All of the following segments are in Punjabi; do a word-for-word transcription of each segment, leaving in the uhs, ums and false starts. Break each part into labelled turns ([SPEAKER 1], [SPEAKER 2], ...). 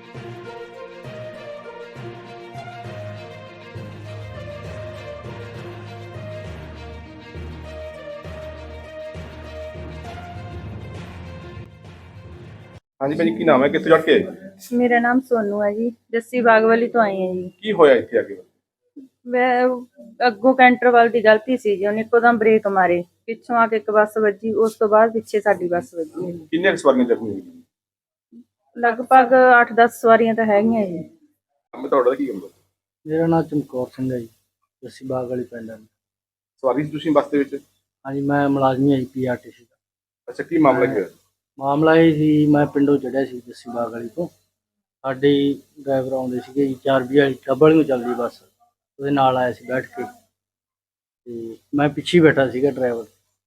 [SPEAKER 1] ਹਾਂਜੀ ਭਾਜੀ, ਕੀ ਨਾਮ ਹੈ, ਕਿੱਥੇ ਚੜ ਕੇ ਆਏ?
[SPEAKER 2] मेरा नाम सोनू है जी। जस्सी बाग वाली तो आई है जी।
[SPEAKER 1] ਕੀ ਹੋਇਆ ਇੱਥੇ ਆ ਕੇ?
[SPEAKER 2] मैं अगों कैंटर वाल दी गलती सी जी, उन्हें इक्को दम ब्रेक मारे, पिछों आके एक बस वजी, उस तो बाद पिछे साडी बस वजी है।
[SPEAKER 1] ਕਿੰਨੇ ਕੁ ਸਵਾਰੀਆਂ ਜ਼ਖਮੀ ਹੋਈਆਂ?
[SPEAKER 2] लगभग अठ दस सवारियां तो हैगियां जी।
[SPEAKER 1] ਮੈਂ ਤੁਹਾਡਾ ਕੀ ਕੰਮ?
[SPEAKER 3] मेरा नाम चमकौर सिंह है जी, जस्सी बाग वाली पिंड है।
[SPEAKER 1] ਸਵਾਰੀ ਸੀ ਤੁਸੀਂ ਬੱਸ ਦੇ ਵਿੱਚ?
[SPEAKER 3] हाँ जी, मैं मुलाजमी है पी आर टी सी का।
[SPEAKER 1] ਅੱਛਾ, ਕੀ ਮਾਮਲਾ ਕੀ ਹੋਇਆ?
[SPEAKER 3] मामला ये सी, मैं पिंडों चढ़िया सी जस्सी बाग वाली तो साडे ड्राइवर आउंदे सीगे जी, चार बीह वाली डबल ਨੂੰ ਚੱਲਦੀ ਬੱਸ, ਉਹਦੇ ਨਾਲ ਆਇਆ ਸੀ ਬੈਠ ਕੇ ਤੇ ਮੈਂ ਪਿੱਛੇ ਹੀ ਬੈਠਾ ਸੀਗਾ ਡਰਾਈਵਰ।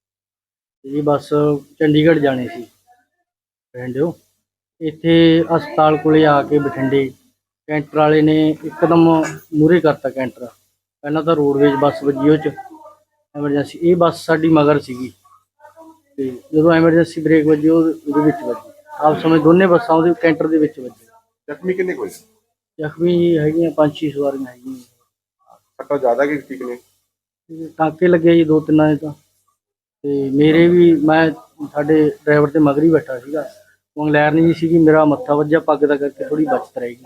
[SPEAKER 3] ਇਹ ਬੱਸ ਚੰਡੀਗੜ੍ਹ ਜਾਣੀ ਸੀ ਬਠਿੰਡਿਓ। ਇੱਥੇ ਹਸਪਤਾਲ ਕੋਲੇ ਆ ਕੇ ਬਠਿੰਡੇ ਕੈਂਟਰ ਵਾਲੇ ਨੇ ਇੱਕਦਮ ਮੂਹਰੇ ਕਰਤਾ ਕੈਂਟਰ। ਪਹਿਲਾਂ ਤਾਂ ਰੋਡਵੇਜ਼ ਬੱਸ ਵੱਜੀ ਉਹ 'ਚ ਐਮਰਜੈਂਸੀ, ਇਹ ਬੱਸ ਸਾਡੀ ਮਗਰ ਸੀਗੀ ਤੇ ਜਦੋਂ ਐਮਰਜੈਂਸੀ ਬ੍ਰੇਕ ਵੱਜੀ ਉਹ ਉਹਦੇ ਵਿੱਚ ਵੱਜੀ, ਆਪ ਸਮੇਂ ਦੋਨੇ ਬੱਸਾਂ ਉਹਦੇ ਕੈਂਟਰ ਦੇ ਵਿੱਚ ਵੱਜੀ।
[SPEAKER 1] ਜ਼ਖਮੀ ਕਿੰਨੇ ਕੋਈ?
[SPEAKER 3] ਜ਼ਖਮੀ ਹੈਗੀਆਂ ਪੰਜ ਛੇ ਸਵਾਰੀਆਂ ਹੈਗੀਆਂ।
[SPEAKER 1] ਸੱਟਾਂ ਜ਼ਿਆਦਾ ਕਿ ਠੀਕ ਨੇ?
[SPEAKER 3] ਟਾਂਕੇ ਲੱਗੇ ਜੀ ਦੋ ਤਿੰਨਾਂ ਦੇ ਤਾਂ, ਤੇ ਮੇਰੇ ਵੀ, ਮੈਂ ਸਾਡੇ ਡਰਾਈਵਰ ਤੇ ਮਗਰ ਹੀ ਬੈਠਾ ਸੀਗਾ, ਮੰਗਲੈਰ ਨਹੀਂ ਸੀਗੀ, ਮੇਰਾ ਮੱਥਾ ਵੱਜਿਆ ਪੱਗ ਦਾ ਕਰਕੇ ਥੋੜੀ ਬਚਤ ਰਹੇਗੀ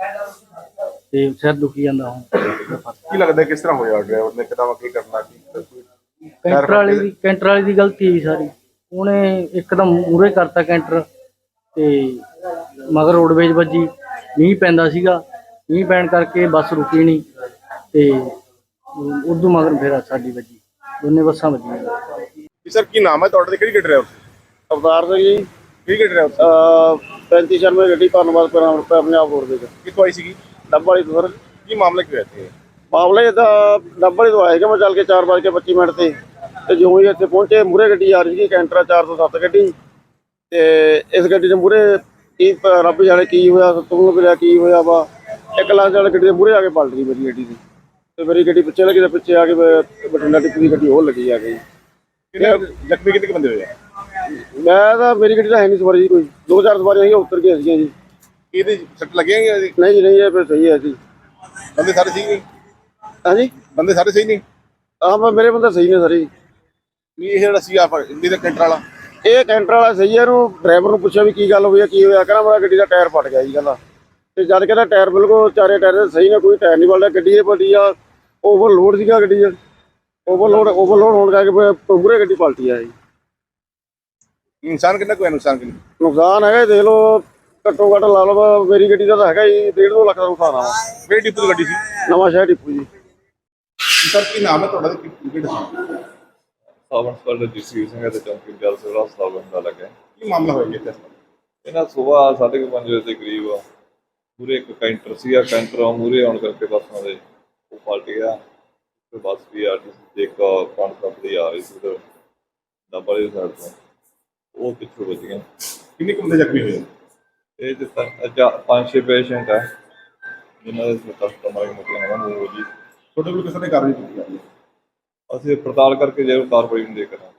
[SPEAKER 3] ਤੇ ਸਿਰ ਦੁਖੀ ਜਾਂਦਾ ਹੁਣ।
[SPEAKER 1] ਕੀ ਲੱਗਦਾ ਕਿਸ ਤਰ੍ਹਾਂ ਹੋਇਆ? ਡਰਾਈਵਰ ਨੇ ਕਿਦਾਂ ਕੀ ਕਰਨਾ ਕੀ?
[SPEAKER 3] ਕੈਂਟਰ ਵਾਲੇ ਦੀ ਕੈਂਟਰ ਵਾਲੇ ਦੀ ਗਲਤੀ ਹੈ ਸਾਰੀ, ਉਹਨੇ ਇੱਕਦਮ ਮੂਹਰੇ ਕਰਤਾ ਕੈਂਟਰ ਤੇ ਮਗਰ ਰੋਡਵੇਜ਼ ਵੱਜੀ। ਮੀਂਹ ਪੈਂਦਾ ਸੀਗਾ, ਮੀਂਹ ਪੈਣ ਕਰਕੇ ਬੱਸ ਰੁਕੀ ਨਹੀਂ ਤੇ ਉਦੋਂ ਮਗਰ ਫਿਰ ਸਾਡੀ ਵੱਜੀ, ਦੋਨੇ ਬੱਸਾਂ ਵੱਜੀਆਂ।
[SPEAKER 1] ਜੀ ਸਰ, ਕੀ ਨਾਮ ਹੈ ਤੁਹਾਡਾ ਤੇ ਕਿਹੜੀ ਗੱਡੀ ਡਰਾਈਵਰ ਸੀ?
[SPEAKER 4] ਅਵਤਾਰ ਸਿੰਘ ਜੀ,
[SPEAKER 1] ਕਿਹੜੀ ਗੱਡੀ ਡਰਾਈਵਰ ਸੀ?
[SPEAKER 4] ਪੈਂਤੀ ਸ਼ਰਮੇ ਗੱਡੀ ਧੰਨਵਾਦ ਕਰਾਂ ਪੰਜਾਬ ਰੋਡ ਦੇ
[SPEAKER 1] ਕਿੱਥੋਂ ਆਈ ਸੀਗੀ?
[SPEAKER 4] ਡੱਬ ਵਾਲੀ ਤੋਂ। ਸਰ
[SPEAKER 1] ਕੀ ਮਾਮਲਾ ਕੀ ਹੋਇਆ ਇੱਥੇ?
[SPEAKER 4] ਮਾਮਲੇ ਤਾਂ ਡੱਬ ਵਾਲੀ ਤੋਂ ਆਏਗਾ, ਮੈਂ ਚੱਲ ਕੇ ਚਾਰ ਵੱਜ ਕੇ ਪੱਚੀ ਮਿੰਟ ਤੇ ਤੇ ਜਿਉਂ ਹੀ ਇੱਥੇ ਪਹੁੰਚੇ, ਮੂਹਰੇ ਗੱਡੀ ਆ ਰਹੀ ਸੀ ਕੈਂਟਰ ਚਾਰ ਸੌ ਸੱਤ ਗੱਡੀ, ਤੇ ਇਸ ਗੱਡੀ ਦੇ ਮੂਹਰੇ ਕੀ ਰੱਬ ਜਾਣੇ ਕੀ ਹੋਇਆ, ਤੁਹਾਨੂੰ ਮਿਲਿਆ ਕੀ ਹੋਇਆ ਵਾ, ਇੱਕ ਲਾਂਚ ਵਾਲੀ ਗੱਡੀ ਦੇ ਮੂਹਰੇ ਆ ਕੇ ਪਲਟ ਗਈ ਮੇਰੀ ਗੱਡੀ ਦੀ, ਤੇ ਮੇਰੀ ਗੱਡੀ ਪਿੱਛੇ ਲੱਗੀ ਤੇ ਪਿੱਛੇ ਆ ਕੇ ਬਠਿੰਡਾ ਟਿੱਪੂ ਦੀ ਗੱਡੀ ਹੋਰ ਲੱਗੀ ਆ ਗਈ।
[SPEAKER 1] ਕਿੰਨੇ ਜ਼ਖਮੀ ਕਿੰਨੇ ਕੁ ਬੰਦੇ ਹੋਏ?
[SPEAKER 4] ਮੈਂ ਤਾਂ, ਮੇਰੀ ਗੱਡੀ ਤਾਂ ਹੈ ਨਹੀਂ ਸਵਾਰੀ ਜੀ, ਕੋਈ ਦੋ ਚਾਰ ਸਵਾਰੀਆਂ ਸੀਗੀਆਂ ਉੱਤਰ ਕੇ ਸੀਗੀਆਂ ਜੀ।
[SPEAKER 1] ਇਹਦੇ ਸੱਟ ਲੱਗੀਆਂ ਗਈਆਂ ਜੀ?
[SPEAKER 4] ਨਹੀਂ ਜੀ ਨਹੀਂ, ਇਹ ਫਿਰ ਸਹੀ ਹੈ ਜੀ।
[SPEAKER 1] ਬੰਦੇ ਸਾਰੇ ਸਹੀ ਨਹੀਂ?
[SPEAKER 4] ਹਾਂਜੀ,
[SPEAKER 1] ਬੰਦੇ ਸਾਰੇ ਸਹੀ ਨਹੀਂ?
[SPEAKER 4] ਆਹ ਮੇਰੇ ਬੰਦੇ ਸਹੀ ਨੇ ਸਾਰੇ।
[SPEAKER 1] ਨਹੀਂ, ਇਹ ਜਿਹੜਾ ਸੀਗਾ ਹਿੰਦੀ ਦਾ ਕੈਂਟਰ ਵਾਲਾ,
[SPEAKER 4] ਇਹ ਕੈਂਟਰ ਵਾਲਾ ਸਹੀ ਹੈ। ਇਹਨੂੰ ਡਰਾਈਵਰ ਨੂੰ ਪੁੱਛਿਆ ਵੀ ਕੀ ਗੱਲ ਹੋਈ ਹੈ, ਕੀ ਹੋਇਆ, ਕਹਿੰਦਾ ਮੇਰਾ ਗੱਡੀ ਦਾ ਟਾਇਰ ਫਟ ਗਿਆ ਜੀ ਕਹਿੰਦਾ। ਤੇ ਜਦ ਕਹਿੰਦਾ ਟਾਇਰ ਬਿਲਕੁਲ ਚਾਰੇ ਟਾਇਰ ਸਹੀ ਨੇ, ਕੋਈ ਟਾਇਰ ਨਹੀਂ ਬਲਦਾ। ਗੱਡੀ ਇਹ ਪਲਟੀ ਆ, ਓਵਰਲੋਡ ਸੀਗਾ ਗੱਡੀ 'ਚ, ਓਵਰਲੋਡ ਓਵਰਲੋਡ ਹੋਣ ਕਰਕੇ ਮੂਹਰੇ ਗੱਡੀ ਪਲਟੀ ਆ ਜੀ।
[SPEAKER 1] ਇਨਸਾਨ ਕਿੰਨਾ ਕੋਈ ਨੁਕਸਾਨ ਕਿੰਨਾ?
[SPEAKER 4] ਨੁਕਸਾਨ ਹੈਗਾ ਦੇਖ ਲਓ, ਘੱਟੋ ਘੱਟ ਲਾ ਲਓ ਮੇਰੀ ਗੱਡੀ ਦਾ ਤਾਂ ਹੈਗਾ ਜੀ ਡੇਢ ਦੋ ਲੱਖ ਦਾ ਨੁਕਸਾਨ ਆ।
[SPEAKER 1] ਕਿਹੜੀ ਡਿਪੂ ਦੀ ਗੱਡੀ ਸੀ?
[SPEAKER 4] ਨਵਾਂ ਸ਼ਹਿਰ ਡਿਪੂ ਜੀ।
[SPEAKER 1] ਸਰ, ਕੀ ਨਾਮ ਹੈ ਤੁਹਾਡਾ ਤੇ ਕਿਹੜਾ ਸੀ?
[SPEAKER 5] ਸਾਵਣ ਸਪਾਲ ਜਸਵੀਰ ਸਿੰਘ ਤੇ ਚੌਂਕੀ ਜਲ ਸੇਵਾ ਹਸਪਤਾਲ ਬੰਦਾ ਲੱਗਾ।
[SPEAKER 1] ਕੀ ਮਾਮਲਾ ਹੋਇਆ ਇੱਥੇ?
[SPEAKER 5] ਇਹਨਾਂ ਸੁਬਾਹ ਸਾਢੇ ਕੁ ਪੰਜ ਵਜੇ ਦੇ ਕਰੀਬ ਮੂਹਰੇ ਇੱਕ ਕੈਂਟਰ ਸੀਗਾ, ਕੈਂਟਰ ਮੂਹਰੇ ਆਉਣ ਕਰਕੇ ਬੱਸਾਂ ਦੇ ਉਹ ਪਲਟ ਗਿਆ ਤੇ ਬੱਸ ਵੀ ਆ ਰਹੀ ਸੀ, ਇੱਕ ਪੰਜ ਸੱਤ ਦੀ ਆ ਰਹੀ ਸੀ ਤੇ ਡੱਬ ਵਾਲੀ ਸਾਈਡ ਤੋਂ ਉਹ ਪਿੱਛੋਂ ਵੱਜ ਗਿਆ।
[SPEAKER 1] ਕਿੰਨੇ ਕੁ ਬੰਦੇ ਜ਼ਖਮੀ ਹੋਏ?
[SPEAKER 5] ਇਹ ਤੇ ਪੰਜ ਛੇ ਪੇਸ਼ੈਂਟ ਆ ਜਿਨ੍ਹਾਂ ਦੇ ਕਸਟਮਰ ਮੋਟੀਆਂ ਨਾ ਮੂੰਹ ਜੀ।
[SPEAKER 1] ਤੁਹਾਡੇ ਕੋਲ ਕਿਸੇ ਨੇ ਕਾਰਵਾਈ ਕੀਤੀ?
[SPEAKER 5] ਅਸੀਂ ਪੜਤਾਲ ਕਰਕੇ ਜੇ ਕਾਰਵਾਈ ਨੂੰ ਦੇ ਕਰਾਂਗੇ।